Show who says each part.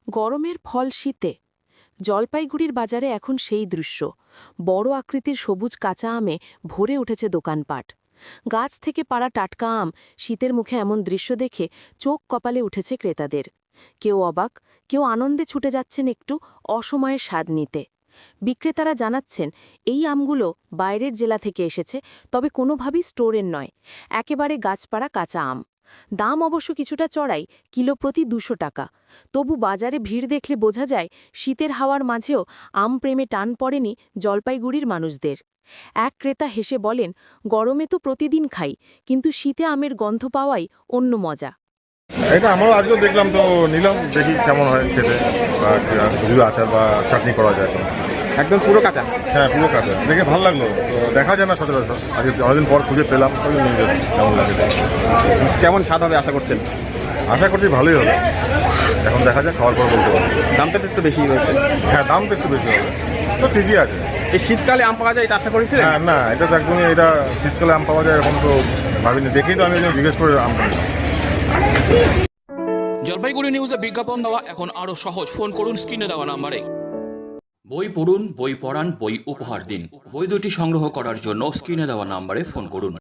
Speaker 1: গরমের ফল শীতে। জলপাইগুড়ির বাজারে এখন সেই দৃশ্য। বড় আকৃতির সবুজ কাঁচা আমে ভরে উঠেছে দোকানপাট। গাছ থেকে পাড়া টাটকা আম শীতের মুখে এমন দৃশ্য দেখে চোখ কপালে উঠেছে ক্রেতাদের। কেউ অবাক, কেউ আনন্দে ছুটে যাচ্ছেন একটু অসময়ের স্বাদ নিতে। বিক্রেতারা জানাচ্ছেন এই আমগুলো বাইরের জেলা থেকে এসেছে, তবে কোনোভাবেই স্টোরের নয়, একেবারে গাছপাড়া কাঁচা আম। দাম অবশ্য কিছুটা চড়াই, কিলো প্রতি ২০০ টাকা। তবু বাজারে ভিড় দেখলে বোঝা যায় শীতের হাওয়ার মাঝেও আম প্রেমে টান পড়েনি জলপাইগুড়ির মানুষদের। এক ক্রেতা হেসে বলেন, গরমে তো প্রতিদিন খাই, কিন্তু শীতে আমের গন্ধ পাওয়াই অন্য মজা।
Speaker 2: এটা আমরাও আজকেও দেখলাম, তো নিলাম, দেখি কেমন হয় খেতে, বা যদি আচার বা চাটনি করা যায়।
Speaker 3: একদম পুরো কাঁচা।
Speaker 2: হ্যাঁ, পুরো কাঁচা দেখে ভালো লাগলো। তো দেখা যায় না সচরাচর, আজকে অনেকদিন পর খুঁজে পেলাম, ওই নিয়ে যাচ্ছি। কেমন লাগে
Speaker 3: কেমন স্বাদ হবে আশা করছেন?
Speaker 2: আশা করছি ভালোই হবে, এখন দেখা যাক, খাওয়ার পর বলতে পারবো।
Speaker 3: দামটা তো একটু বেশি হয়েছে।
Speaker 2: হ্যাঁ, দাম তো একটু বেশি হবে, তো ঠিকই আছে।
Speaker 3: এই শীতকালে আম পাওয়া যায় এটা আশা করেছিলেন?
Speaker 2: হ্যাঁ, না, এটা তো একদমই, এটা শীতকালে আম পাওয়া যায় এরকম তো ভাবিনি, দেখেই তো আমি জিজ্ঞেস করে আমটা নিলাম।
Speaker 4: জলপাইগুড়ি নিউজে বিজ্ঞাপন দেওয়া এখন আরও সহজ। ফোন করুন স্ক্রিনে দেওয়া নাম্বারে। বই পড়ুন, বই পড়ান, বই উপহার দিন। বই দুটি সংগ্রহ করার জন্য স্ক্রিনে দেওয়া নাম্বারে ফোন করুন।